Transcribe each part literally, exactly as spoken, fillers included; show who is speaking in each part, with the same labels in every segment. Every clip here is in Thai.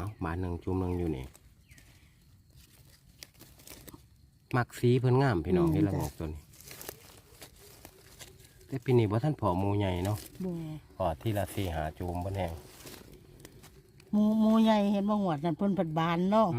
Speaker 1: เอาบานหนึ่งจุ่มหนึ่งอยู่นี่มักสีเพิ่นงามพี่น้องเห็นละงอกตัวนี้แต่ปีนี้บ่ท่านผอหมูใหญ่เนาะพอที่ละสี่หาจุ่มบนแห้ง
Speaker 2: หมูหมูใหญ่เห็นบ่หวดนั่นเพิ่นผัดบานเนาะ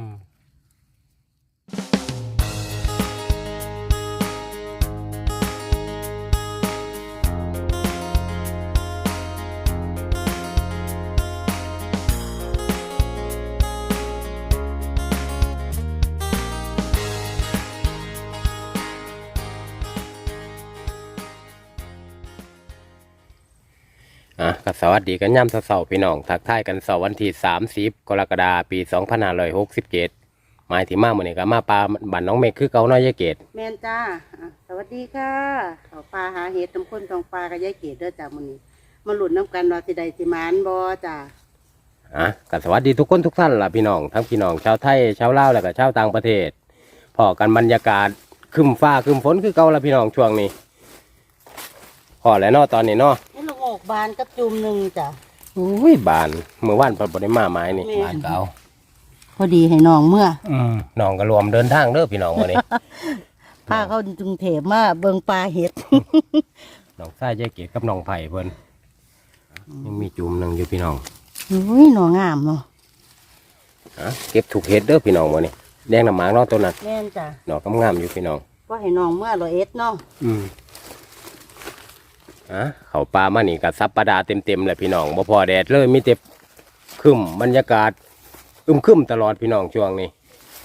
Speaker 1: อ่ะก็สวัสดีกันย่ำเสาร์พี่น้องทักทายกันเสาร์วันที่สามสิบกรกฎาคมปีสองพันห้าร้อยหกสิบเจ็ดหมายถึงมาเมื่อนี้ก็มาปลาบ้านน้องเมฆคือเก่าน้อยยายเกด
Speaker 2: แมนจ้าสวัสดีค่ะเขาปลาหาเห็ดน้ำข้นทองปลากับยายเกดเด้อจ้ามื้อนี้มาหลุดน้ำกันว่าสิใดสิมานบ่จ้า
Speaker 1: อ่ะก็สวัสดีทุกคนทุกท่านล่ะพี่น้องทั้งพี่น้องชาวไทยชาวลาวแล้วก็ชาวต่างประเทศพอกันบรรยากาศครึ้มฟ้าครึ้มฝนคือเก่าล่ะพี่น้องช่วงนี้พอแล้วเนาะตอนนี้เนาะ
Speaker 2: นี่ลูกออกบานกับจุ่มหนึ่งจ้ะ
Speaker 1: อุ้ยบานเมื่อวานพอบ่ได้มาไม้นี่บานเก่า
Speaker 2: พอดีให้น้องเมื่อ
Speaker 1: อืมน้องก็รวมเดินทางเด้อพี่น้องวันนี้
Speaker 2: พาเขาจุงเทพมาเบิ่งปลาเห็ด
Speaker 1: น้องชายยายเกดกับน้องไผ่เพิ่นยังมีจุ่มหนึ่งอยู่พี่น้อง
Speaker 2: อุ้ยหน่องามเนาะ
Speaker 1: อ่ะเก็บถูกเห็ดเด้อพี่น้องวันนี้แดงน้ำหมากเนาะตัวนั้น
Speaker 2: แม่นจ้ะ
Speaker 1: หน่อกำงามอยู่พี่น้อง
Speaker 2: ว่าให้น้องเมื่อร้อยเอ็ดเนาะ
Speaker 1: อืมอ่ะเขาปลามานี่กับซับปลาดาเต็มเต็มเลยพี่น้องบ่พอแดดเลยมีแต่คึมบรรยากาศอึมคึมตลอดพี่น้องช่วงนี้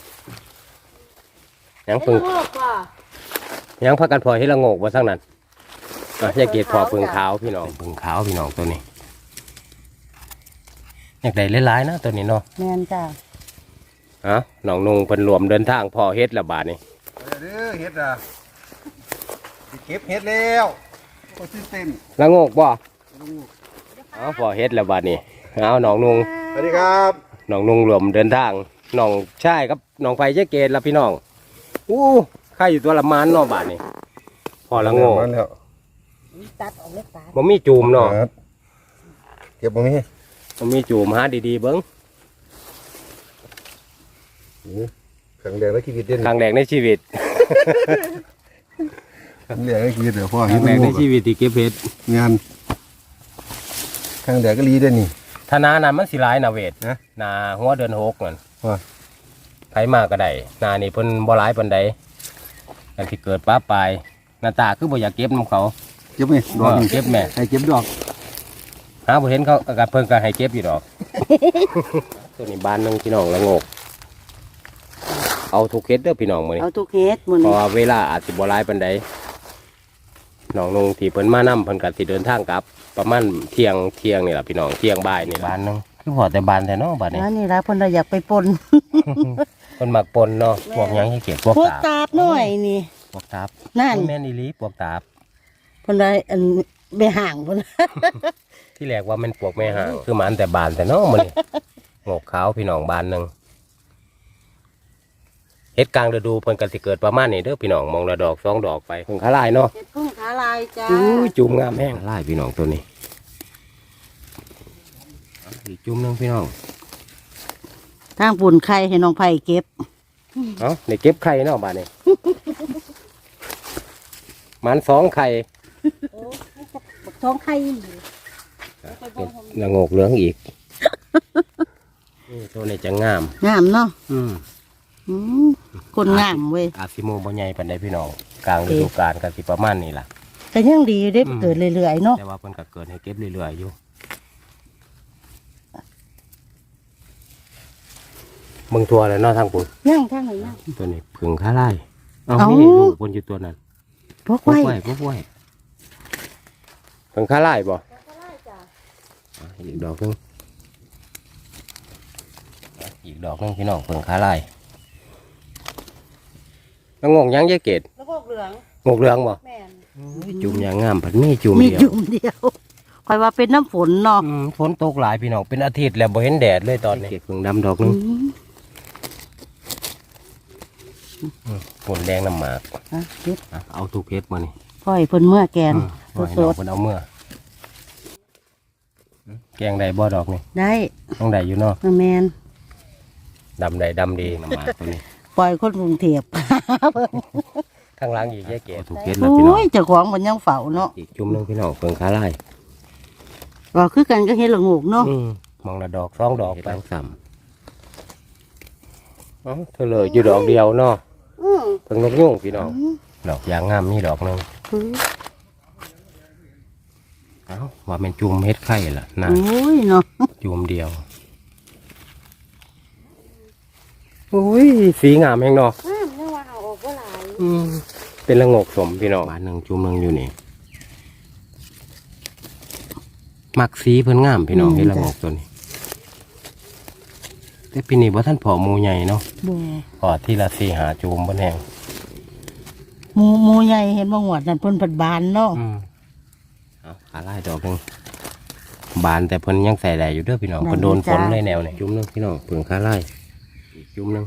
Speaker 1: ยังพึ่งยังพักกันพอให้ละโงกว่าสักนั้นอ่ะยายเกดพอพึ่งขาวพี่น้องพึ่งขาวพี่น้องตัวนี้อยากได้หลายๆนะตัวนี้เนาะ
Speaker 2: แม่นจ้ะ
Speaker 1: อ่ะน้องนุ่งเพิ่นรวมเดินทางพอเฮ็ดละบาทนี่
Speaker 3: เด้อเฮ็ดอ่ะเก็บเฮ็ดแล้วก็ตื่นเต้น
Speaker 1: ละโงกบ่เอาพอเฮ็ดละบาทนี่เอาน้องนุ่ง
Speaker 3: สวัสดีครับ
Speaker 1: น้องนุ่งรวมเดินทางน้องชายครับน้องไฟเจ๊เกดละพี่น้องอู้ข้าอยู่ตัวละมานเนาะบาทนี่พอละโงก
Speaker 2: ตัดออกเล็กตา
Speaker 1: บ่มีจูมเนาะ
Speaker 3: เก็บบ่มี
Speaker 1: บ่มีจูมหาดีๆเบิ่ง
Speaker 3: ครั้งแรกในชีวิตเด่น
Speaker 1: ครั้งแรกในชีวิต
Speaker 3: ครั้งแรกในชีวิตเดี๋ยวพ่อ
Speaker 1: ครั้งแรกในชีวิตที่เก็บเห็ด
Speaker 3: งานครั้งแรกก็รีเด่นนี่
Speaker 1: ธนานั้นมันสิหลายนาเวทนะนาหัวเดือนหกนั่น
Speaker 3: ว่า
Speaker 1: ไผมาก็ได้นานี่เพิ่นบ่หลายปานใดอันที่เกิดป้าปลายหน้าตาคือบ่อยากเก็บนำเขา
Speaker 3: เก็บไหมดอก
Speaker 1: เก็บแม่
Speaker 3: ให้เก็บดอก
Speaker 1: หาบ่เห็นเขาก็เพิ่นก็ให้เก็บอยู่ดอกตัวนี้บ้านนึงพี่น้องละโงกเอาทุกเฮ็ดเด้อพี่น้องมื้อนี้
Speaker 2: เอาทุกเฮ็ดมื้อนี้
Speaker 1: เพราะเวลาอาจสิบ่หลายปานใดน้องนุ่งที่เพิ่นมานำเพิ่นก็สิเดินทางกลับประมาณเที่ยงเที่ยงนี่ล่ะพี่น้องเที่ยงบ่ายนี่บ้านนึงคือพอแต่บ้านแต่เนาะบ้านนี้
Speaker 2: อันนี้ล่ะเพิ่นอยากไปปน
Speaker 1: เพิ่นมักปนเนาะพวกหยังให้เก็บพวกตาบ
Speaker 2: ตาบหน่อยนี่
Speaker 1: พวกตาบ
Speaker 2: นั่น
Speaker 1: แม่นอีหลีพวกตาบ
Speaker 2: เพิ่นได้อันไปห่างเพิ่น
Speaker 1: ที่แรกว่ามันพวกแม่ห่างคือมันแต่บานแต่เนาะมื้อนี้งอกขาวพี่น้องบ้านนึงเฮ็ดกลางฤดูเพิ่นก็สิเกิดประมาณนี้เด้อพี่น้องมองละดอกสองดอกไปพึ่งขาลายเนาะ
Speaker 2: เฮ็ดพึ่งขาลายจ้า
Speaker 1: อู้จุ่มงามแห้งลายพี่น้องตัวนี้อีกจุ่มนึงพี่น้อง
Speaker 2: ทางปุ่นไข่ให้น้องไผ่เก็บ
Speaker 1: เอ้าได้เก็บไข่เนาะบ้านนี้มันสองไข่
Speaker 2: โอ้ท้องไข่
Speaker 1: ละโงกเหลืองอีกนี่ตัวนี้จะงาม
Speaker 2: งามเนาะ
Speaker 1: อืม
Speaker 2: คนงามเว้ย
Speaker 1: อาซิโมบ่ใหญ่ปานใดพี่น้องกลางฤดูกาลก็สิประมาณนี้ล่ะ
Speaker 2: ก็ยังดีได้เกิดเรื่อยๆเนาะ
Speaker 1: แต่ว่าเพิ่นก็เกิดให้เก็บเรื่อยๆอยู่เบิ่งทั่วแล้วเนาะทางปุ่น
Speaker 2: ย่างทางไหนย่าง
Speaker 1: ตัวนี้ผึ่งขาลายเอานี่ลูกเพิ่นอยู่ตัวนั้น
Speaker 2: พวกไว้
Speaker 1: พวกไว้ผึ่งขาลายบ่อีกดอกนึงอีกดอกนึงพี่น้องผึ่งขาลายแล้วงงยังยายเกด
Speaker 2: แล้วงกเหลือง
Speaker 1: งกเหลืองบ่
Speaker 2: แม่น
Speaker 1: จุ่มอย่างงามผัดมีจุ่ม
Speaker 2: เดียวมีจุ่มเดียวคอยว่าเป็นน้ำฝนเนาะ
Speaker 1: ฝนตกหลายพี่น้องเป็นอาทิตย์แล้วบ่เห็นแดดเลยตอนนี้เก็บผึ่งดำดอกนึงฝนแดงน้ำหมากเอาทุกเพชรมานี่
Speaker 2: พ่อยเพิ่นเมื่อแกน
Speaker 1: สดๆเพิ่นเอาเมื่อแกงได้บ่ดอกนี่
Speaker 2: ได้
Speaker 1: ต้องได้อยู่เนาะ
Speaker 2: แมน
Speaker 1: ดำใดดำดีน้ำหมากตัวนี้
Speaker 2: ปล่อยคนกรุงเทพ
Speaker 1: ข้างหล่างอีกแยกเกศถูกเกศแล้วพี่น้อง
Speaker 2: โอ้ยเจ้าของมันยังเฝ้าเนาะ
Speaker 1: อีกจุ่มหนึงพี่น้องเพิ่งขาไล่
Speaker 2: ว่าคือกันก็เฮ็ดละโงกเนาะ
Speaker 1: อืมมองละดอกสองดอกไปซ้ำเอ้าเธอเลยอยู่ดอกเดียวเนาะ
Speaker 2: อือ
Speaker 1: เพิ่งนกยุ่งพี่น้องดอกยางงามมีดอกหนึง
Speaker 2: คือ
Speaker 1: เอ้าว่าเป็นจุ่มเฮ็ดไข่ล่ะนะ
Speaker 2: โอ้ยเนาะ
Speaker 1: จุ่มเดียวอุ้ยสีงามแฮงเนาะ
Speaker 2: อ้าวนึกว่าเอาออกบ่หลาย
Speaker 1: อืมเป็นละโงกสมพี่น้องบานหนึ่งจุ่มหนึงอยู่นี่มักสีเพิ่นงามพี่น้องเฮ็ดละโงกตัวนี้แต่ปีนี้บ่ท่านผอหมูใหญ่เนาะ
Speaker 2: บ่
Speaker 1: พอที่ละสี่หาจุ่มบ่แห้ง
Speaker 2: หมูหมูใหญ่เห็นบ่หวดนั่นเพิ่นผัดบานเนาะ
Speaker 1: อืมเอาขาไล่ดอกหนึงบานแต่เพิ่นยังใส่ได้อยู่เด้อพี่น้องเพิ่นโดนฝนเลยแนวนี่จุ่มหนึงพี่น้องเพิ่งขาไล่อีกจุ่มหนึง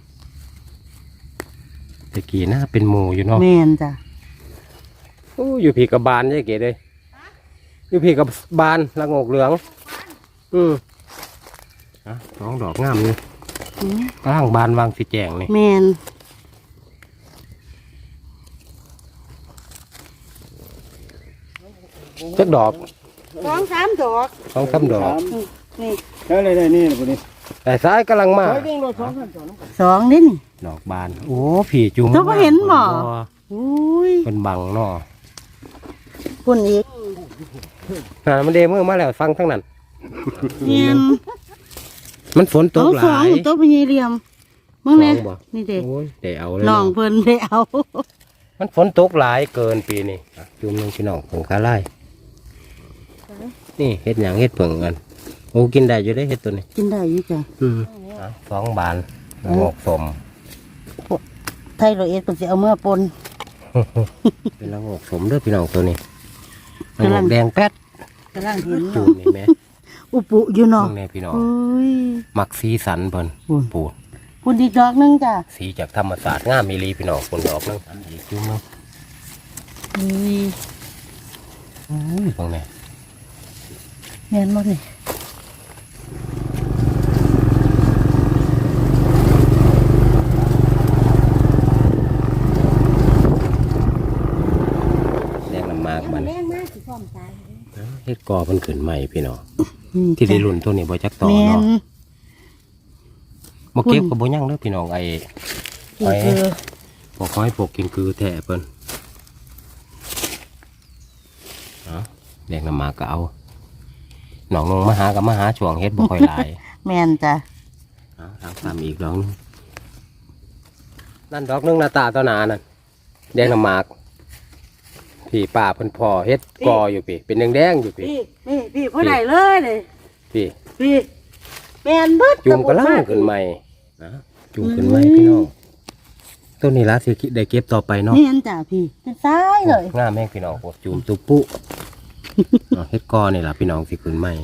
Speaker 1: ตะกี้น่าเป็นหมูอยู่เนาะ
Speaker 2: แม่นจ้ะ
Speaker 1: โอ้อยู่พี่กับบานใช่เก๋เลยอยู่พี่กับบานละโงกเหลือง อืมอ่ะสองดอกงามนี่
Speaker 2: อือก
Speaker 1: ำลังบานวางสีแจงนี่
Speaker 2: แม่น
Speaker 1: จักดอก
Speaker 2: สองสามดอก
Speaker 1: สองสามดอก
Speaker 2: นี่
Speaker 3: ใช่เลยได้นี่นะพวกนี้
Speaker 1: แต่ซ้ายกำลังมา
Speaker 2: สองนี่นี่
Speaker 1: ดอกบาน โอ้ผีจุ่ม
Speaker 2: เจ้าบ่เห็นบ่ อุ้ย
Speaker 1: เป็นบังเนาะ
Speaker 2: คุณอีก
Speaker 1: น่ะมันเดมือมาแล้วฟังทั้งนั้น
Speaker 2: เนียน
Speaker 1: มันฝนต
Speaker 2: เอา
Speaker 1: กห
Speaker 2: สอ
Speaker 1: ลาง ย
Speaker 2: ตัวพญเหลี่ยมมึงแน่
Speaker 1: สองบ่
Speaker 2: นี่เด็ก
Speaker 1: โอ้ยเดี๋ยวเอาเลย
Speaker 2: น้อง
Speaker 1: เนาะ
Speaker 2: เพิ่นได้เอา
Speaker 1: มันฝนตกหลายเกินปีนี้อ่ะจุ่มหนึงพี่น้องผงคาไล่นี่เห็ดหยังเห็ดเผิงกันโอ้กินได้อยู่ได้เห็ดตัวนี้
Speaker 2: กินได้อยู่จ้ะ
Speaker 1: อืมอ่ะสองบานละโงกสม
Speaker 2: ไทยโรเอสเพิ่นสิเอาเมื่อปน
Speaker 1: เป็นละโงกสมเด้อพี่น้องตัวนี้ละ
Speaker 2: กำ
Speaker 1: โง
Speaker 2: ลัง
Speaker 1: กแดงแป๊ด
Speaker 2: กำลังเห็น
Speaker 1: จู
Speaker 2: เนาะ
Speaker 1: บนี่แม่
Speaker 2: อุปุอยู่เนาะ
Speaker 1: ข้างในพี่น้อง
Speaker 2: โอ้ย
Speaker 1: มักสีสันเพิ่น
Speaker 2: อุ้ย
Speaker 1: ปูด
Speaker 2: คุณอีกดอกหนึงจ้ะ
Speaker 1: สีจากธรรมศาสตร์งามมีรีพี่น้องคนดอกนึงอีกจุ่มนึง
Speaker 2: อุ้ย
Speaker 1: อุ้ยตรงนี้
Speaker 2: แม่นบ่นี่
Speaker 1: แดงน้ำมากมัน
Speaker 2: แรงมากสิพร้อมตาย
Speaker 1: เฮ็ดกอมันขึ้นใหม่พี่น้อง
Speaker 2: อืม
Speaker 1: ที่ได้รุ่นตัวนี้บ่จักต่อ
Speaker 2: แม่น
Speaker 1: เนาะบ่เก็บก็บ่ยั่งเด้อพี่น้องไอ้
Speaker 2: นี่คือ
Speaker 1: พวกห้อยพวกกินคือแท้เพิ่นเอาแดงน้ำมากก็เอาหนองนงมาหากับมาหาช่วงเฮ็ดบ่ค่อยหลาย
Speaker 2: แม่นจ้ะ
Speaker 1: เอาทางตามอีกดอกหนึงนั่นดอกหนึงหน้าตาตัวหนานั่นแดงน้ำหมากพี่ป้าเพิ่นพ่อเฮ็ดกออยู่พี่เป็นแดงๆอยู่พี่
Speaker 2: พี่พี่พี่ผู้ใดเลยเลย
Speaker 1: พี่
Speaker 2: พี่แม่นเบิด
Speaker 1: จุ่มกระลังขึ้นใหม่นะจุ่มขึ้นใหม่พี่น้องต้นนี้ละสิได้เก็บต่อไปเนาะ
Speaker 2: แม่นจ้ะพี่เป็นซ้ายเลย
Speaker 1: งามแม่งพี่น้องโอ้จุ่มตุปุ เอาเฮ็ดกอนี่ล่ะพี่น้องสิขึ้นใหม่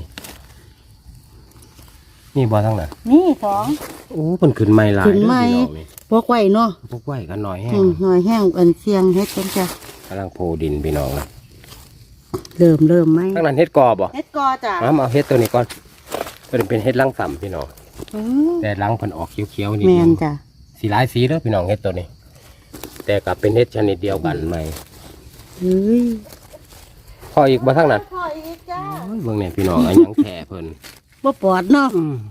Speaker 1: นี่บ่ทั้งนั้น
Speaker 2: นี่สอง
Speaker 1: โอ้เพิ่นขึ้นใหม่หลาย
Speaker 2: ขึ้นใหม่
Speaker 1: เด้อพี่น้องนี่
Speaker 2: พวกไว้เนาะ
Speaker 1: พวกไว้กันหน่อยแห้
Speaker 2: อื
Speaker 1: ง
Speaker 2: มหน่อยแห้งอันเสียงเฮ็ดกันจ้ะ
Speaker 1: กำลังโพดินพี่น้องนะ
Speaker 2: เริ่มเริ่มไหม
Speaker 1: ทั้งนั้นเฮ็ดกอบ่
Speaker 2: เฮ็ดกอจ้ะ
Speaker 1: เอามาเอาเฮ็ดตัวนี้ก่อนเพิ่นเป็นเฮ็ดลังสำพี่น้อง
Speaker 2: อืม
Speaker 1: แต่ลังเพิ่นออกเขียวๆนี่
Speaker 2: แม่นจ้ะ
Speaker 1: สีหลายสีเด้อพี่น้องเฮ็ดตัวนี้ แต่ก็เป็นเฮ็ดชนิดเดียวกันใหม่
Speaker 2: เฮ้ย
Speaker 1: พออีกบ่ทั้งนั้น
Speaker 2: พออีกจ้า
Speaker 1: โอ้ยเบิ่งเนี่ยพี่น้องอันยังแท้เพิ่น
Speaker 2: บ่ปอดเนาะ
Speaker 1: อืม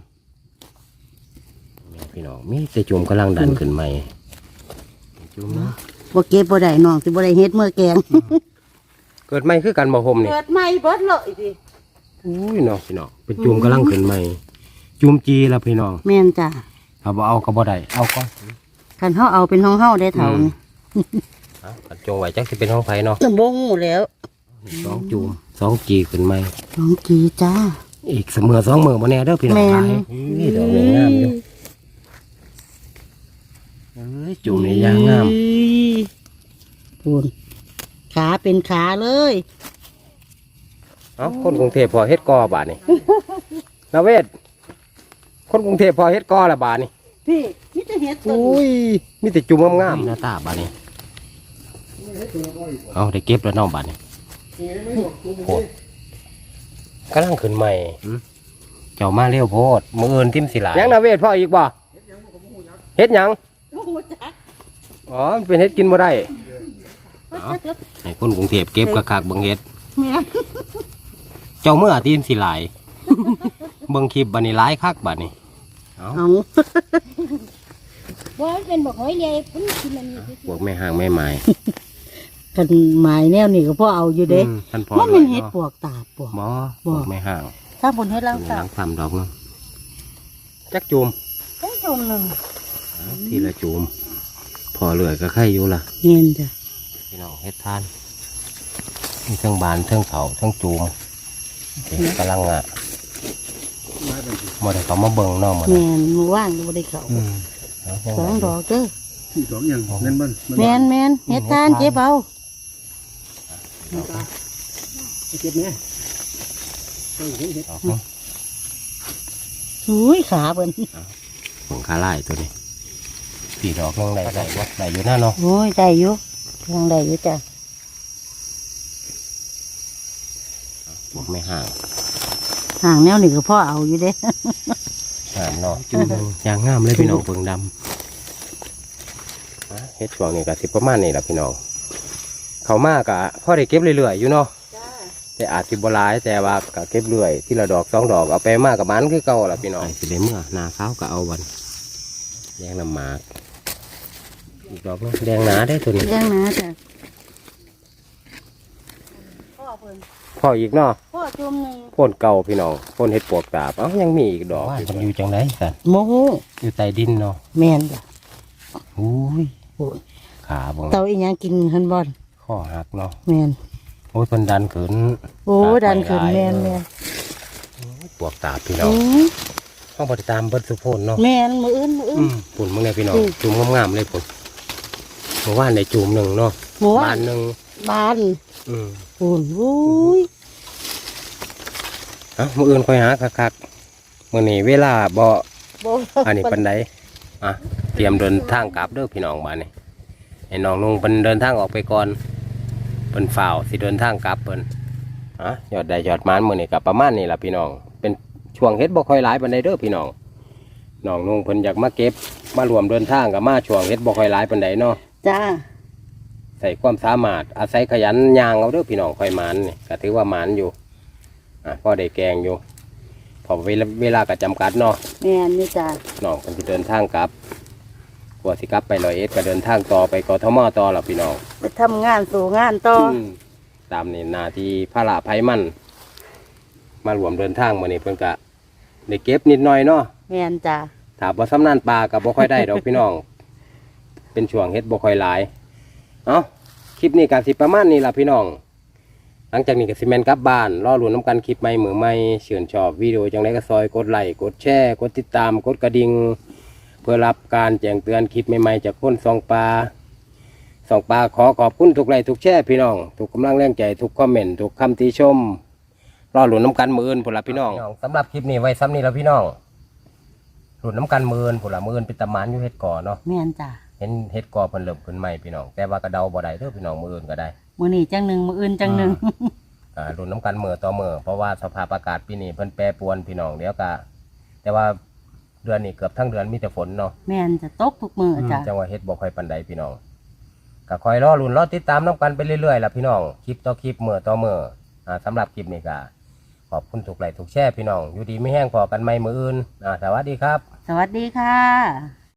Speaker 1: พี่น้องมีแต่จุ่มกำลังดันขึ้นใหม่จุ่มนะ
Speaker 2: บ่เก็บบ่ได้น้องสิบ่ได้เฮ็ดเมื่อแกง
Speaker 1: เกิดใหม่คือกันบ่ผมนี่
Speaker 2: เกิดใหม่เบิดเลยสิ
Speaker 1: อุ้ยเนาะพี่น้องเป็นจุ่มกำลังขึ้นใหม่จุ่มจีแล้วพี่น้อง
Speaker 2: แม่นจ้ะ
Speaker 1: ถ้าบ่เอาก็บ่ได้เอาก่อน
Speaker 2: คันเฮาเอาเป็นของเฮาได้เท่านี่
Speaker 1: เอาอันจงไว้จักสิเป็นของไผเนาะ
Speaker 2: บ่ฮู้แล้ว
Speaker 1: สองจุ่มสองจีขึ้นใหม่
Speaker 2: น้องกีจ้า
Speaker 1: อีกเสมอสองมือบ่แน่เด้อพี่น้อง
Speaker 2: แม่น
Speaker 1: หลายนี่ดอกนี่งามอยู่เอ้ยจุ่มนี่ยางงาม
Speaker 2: พูนขาเป็นขาเลย
Speaker 1: เอ้าคนกรุงเทพพอเฮ็ดกอบาดนี่ นาเวศคนกรุงเทพพอเฮ็ดกอละบาดนี่
Speaker 2: พี่นี่จะเฮ็ดต้น
Speaker 1: อุ้ยมีแต่จุ่มงามๆหน้าตาบาดนี่เอาได้เก็บแล้วเน้องบาดนี่โพดกำลังขึ้นใหม่เจ้ามาเร็วโพดมืออื่นทิมสิหลายยังนาเวศพ่ออีกบ่เฮ็ดหยัง
Speaker 2: โอ้โหจัก
Speaker 1: อ๋อมันเป็นเฮ็ดกินบ่ได้เอาให้คนกรุงเทพเก็บคักๆเบิ่งเฮ็ด
Speaker 2: แม่น
Speaker 1: เจ้าเมื่อตีนสิหลาย เบิ่งคลิปบัดนี้หลายคักบัดนี้เอา
Speaker 2: เอา
Speaker 4: ว่าเป็นบอกหอยใหญ่พุ่นกินมันนี่
Speaker 1: พวกแม่ห่างแม่ไม้
Speaker 2: กันหมายแนวนี่ก็พ่อเอาอยู่เด้
Speaker 1: อืมท่านพ่อ
Speaker 2: ว่ามันเฮ็ดปวกตาบปวก
Speaker 1: บ่
Speaker 2: บ่
Speaker 1: พวกแม่ห่าง
Speaker 2: ถ้าบนเฮ็ด
Speaker 1: ห
Speaker 2: ล่างตา
Speaker 1: ลั
Speaker 2: บ
Speaker 1: งทำดอกนึงจักจูม
Speaker 2: ต้องชมหนึ่ง
Speaker 1: เอาทีละจูมพอเหลือก็ไข่อยู่ล่ะ
Speaker 2: เงินจ้ะ
Speaker 1: พี่น้องเฮ็ดทานมีเครื่องบานเครื่องเผาเครื่องจูมเด็กกำลังอ่ะ
Speaker 3: มาเป็นสิ
Speaker 1: บ่ได้เขามาเบิ่งเนาะหมด
Speaker 2: แม่นมือว่างก็บ่ได้เข้า
Speaker 1: อืมเอาจั
Speaker 2: สองดอกเด้อ
Speaker 3: ที่สองอย่างเล่นบ้าน
Speaker 2: แม่นแม่นเฮ็ดทานเก็บเอา
Speaker 3: เก็บแม่ต้องเห็นเห็ด
Speaker 1: ดอกเนาะ
Speaker 2: อุ้ยขาเบิ่น
Speaker 1: ของคาไล่ตัวนี้สี่ดอกนึงได้ได้บ่ได้อยู่หน้าเนาะ
Speaker 2: โอ้ยได้อยู่ยังได้อยู่จ้ะ
Speaker 1: พวกไม่ห่าง
Speaker 2: ห่างแนวนี่ก็พ่อเอาอยู่เด้
Speaker 1: งามเนาะจูมยางงามเลยพี่น้องเบิ่งดำอ่ะเฮ็ดช่วงนี้ก็สิประมาณนี้ล่ะพี่น้องเขามากอะพอได้เก็บเรื่อยๆอยู่เนาะ
Speaker 2: จ้า
Speaker 1: แต่อาจสิบ่หลายแต่ว่าก็เก็บเรื่อยทีละดอกสองดอกเอาไปมากกับมันคือเก่าล่ะพี่น้องสิได้เมื่อหน้าขาวก็เอาวันแดงน้ำหมากอีกดอกนึงแดงหนาได้ตัวนี้
Speaker 2: เลี้ยงนะจ้ะพ่อเพิ่น
Speaker 1: พออีกเนาะ
Speaker 2: พ่อจุ่มหนึ่ง
Speaker 1: พ่นเก่าพี่น้องพ่นเห็ดปวกตาบเอ้ายังมีอีกดอกมันอยู่จังไดกัน
Speaker 2: โมโห
Speaker 1: อยู่ใต้ดินเนาะ
Speaker 2: แม่นจ้ะ
Speaker 1: อุ้ย
Speaker 2: โอ้ย
Speaker 1: ขาบ่ง
Speaker 2: เตาอีหยังกินหันบอล
Speaker 1: ข้อหักเนาะ
Speaker 2: แม่น
Speaker 1: โอ้ยเพิ่นดันขืน
Speaker 2: โอ้ดันขึ้นแม่นแม่น
Speaker 1: ปวกตาบพี่น้อ
Speaker 2: โอ้
Speaker 1: ง
Speaker 2: ย
Speaker 1: ห้องปฏิตามเบิดสุโพนเนาะ
Speaker 2: แม่นมืออื่นมืออื่
Speaker 1: อื
Speaker 2: น
Speaker 1: มปุ่นมึงเนี่ยพี่น้อง
Speaker 2: อืม
Speaker 1: จุ่มงามๆเลยปุ่นเมื่อวานในจุ่มหนึ่งเนาะ
Speaker 2: หมู
Speaker 1: บานหนึ่ง
Speaker 2: บาน
Speaker 1: อืม
Speaker 2: ปูนโอ้ย
Speaker 1: เอ้ามื้ออื่นค่อยหาคักๆมื้อนี้เวลาบ่
Speaker 2: บ่
Speaker 1: อันนี้ปันไดอ่ะเตรียมเดินทางกลับเด้อพี่น้องบ้านนี้ไอ้น้องนุ่งเพิ่นเดินทางออกไปก่อนเพิ่นฝ่าวสิเดินทางกลับเพิ่นอ่ะยอดได้ยอดมานมื้อนี้ก็ประมาณนี้ล่ะพี่น้องเป็นช่วงเฮ็ดบ่ค่อยหลายปานใดเด้อพี่น้องน้องนุ่งเพิ่นอยากมาเก็บมารวมเดินทางกับมาช่วงเฮ็ดบ่ค่อยหลายปานใดเนาะ
Speaker 2: จ้า
Speaker 1: ใส่ความสามารถอาศัยขยันย่างเอาเด้อพี่น้องค่อยหมานนี่ก็ถือว่าหมานอยู่อ่ะพอได้แกงอยู่พอเวลาเวลาก็จำกัดเนาะ
Speaker 2: แม่นนี่จ้า
Speaker 1: น้องคนที่เดินทางกลับกว่าสิกลับไปร้อยเอ็ดก็เดินทางต่อไปกทมต่อหรอพี่น้อง
Speaker 2: ไปทำงานสู่งานต่อ
Speaker 1: มตามนี่นาที่พระละไพมัน มารวมเดินทางมานี่เพิ่นกะได้เก็บนิดหน่อยเนาะ
Speaker 2: แม่นจ้า
Speaker 1: ถามว่าสำนานปลากับบ่ค่อยได้ดอกพี่น้อง เป็นช่วงเฮ็ดบ่ค่อยหลาย เอ้าคลิปนี้ก็สิประมาณนี้ล่ะพี่น้อง หลังจากนี้ก็สิแม่นกลับบ้านรอลุ้นน้ำกันคลิปใหม่มือใหม่เชื่นชอบวิดีโอจังไดก็ซอยกดไลค์กดแชร์กดติดตามกดกระดิ่งเพื่อรับการแจ้งเตือนคลิปใหม่ๆจากคนสองปลาสองปลาขอขอบคุณทุกไลค์ทุกแชร์พี่น้องทุกกำลังแรงใจทุกคอมเมนต์ทุกคำติชมรอลุ้นน้ำกันมืออื่นผุนละพี่น้องสำหรับคลิปนี้ไว้ซ้ำนี้แล้วพี่น้องลุ้นน้ำกันมืออื่นผุนละมืออื่นเป็นตะมานอยู่เฮ็ดก่อเนาะ
Speaker 2: แม่นจ้า
Speaker 1: เห็นเฮ็ดก่อเพิ่นเริ่มขึ้นใหม่พี่น้องแต่ว่ากระเดาบ่ได้เด้อพี่น้องมืออื่นก็ได้
Speaker 2: มื้อนี้จังหนึ่งมื้ออื่นจังหนึ่ง
Speaker 1: อ่ารุ่นน้ำกันเมื่อต่อเมื่อเพราะว่าสภาพอากาศปีนี้เพิ่นแปรปรวนพี่น้องเดี๋ยวก็แต่ว่าเดือนนี้เกือบทั้งเดือนมีแต่ฝนเนาะ
Speaker 2: แม่นจะตกทุกมื้อจ้า
Speaker 1: จังหวะเฮ็ดบ่ค่อยปานใดพี่น้องก็คอยรอรุ่นรอติดตามน้ำกันไปเรื่อยๆล่ะพี่น้องคลิปต่อคลิปเมื่อต่อเมื่ออ่าสำหรับคลิปนี้ก็ขอบคุณทุกไลค์ทุกแชร์พี่น้องอยู่ดีไม่แห้งพอกันใหม่มื้ออื่นอ่าสวัสดีครับ
Speaker 2: สวัสดีค่ะ